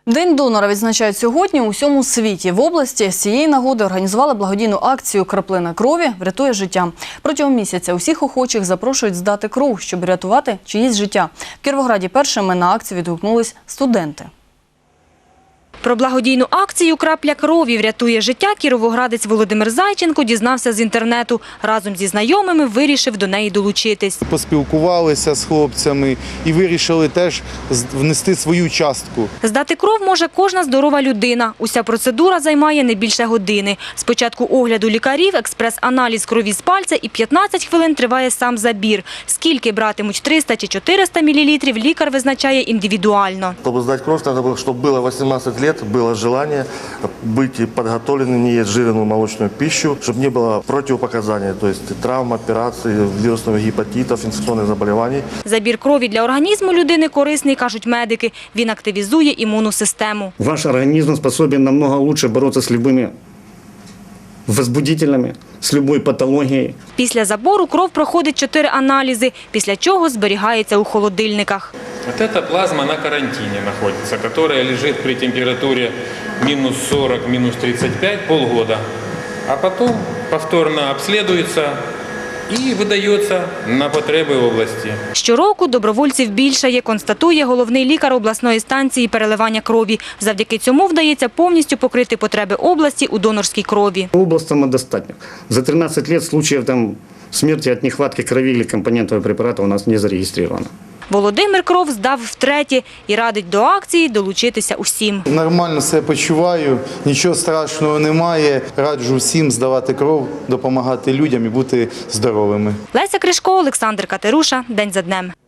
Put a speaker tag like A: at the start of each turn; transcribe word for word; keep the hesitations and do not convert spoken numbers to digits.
A: День донора відзначають сьогодні у всьому світі. В області з цієї нагоди організували благодійну акцію «Краплина крові врятує життя». Протягом місяця усіх охочих запрошують здати кров, щоб рятувати чиїсь життя. В Кіровограді першими на акцію відгукнулись студенти.
B: Про благодійну акцію «Крапля крові врятує життя» кіровоградець Володимир Зайченко дізнався з інтернету. Разом зі знайомими вирішив до неї долучитись.
C: Поспілкувалися з хлопцями і вирішили теж внести свою частку.
B: Здати кров може кожна здорова людина. Уся процедура займає не більше години. Спочатку огляду лікарів, експрес-аналіз крові з пальця і п'ятнадцять хвилин триває сам забір. Скільки братимуть – триста чи чотириста мілілітрів – лікар визначає індивідуально.
D: Щоб здати кров, треба, щоб було вісімнадцять років. Было желание быть подготовленным, не есть жирную молочную пищу, чтобы не было противопоказаний, то есть травм, операций, вирусных гепатитов, инфекционных заболеваний.
B: Забір крові для організму людини корисний, кажуть медики. Він активізує імунну систему.
E: Ваш организм способен намного лучше бороться с любыми возбудителями, з будь-якою патологією.
B: Після забору кров проходить чотири аналізи, після чого зберігається у холодильниках.
F: Вот эта плазма на карантине находится, которая лежит при температуре минус сорок, минус тридцать пять полгода, а потом повторно обследуется і видається на потреби області.
B: Щороку добровольців більшає, констатує головний лікар обласної станції переливання крові. Завдяки цьому вдається повністю покрити потреби області у донорській крові.
E: Область самодостатня. За тринадцять років случаїв там смерті від нехватки крові або компонентного препарату у нас не зареєстровано.
B: Володимир кров здав втретє і радить до акції долучитися усім.
C: Нормально себе почуваю, нічого страшного немає. Раджу всім здавати кров, допомагати людям і бути здоровими.
B: Леся Кришко, Олександр Катеруша. День за днем.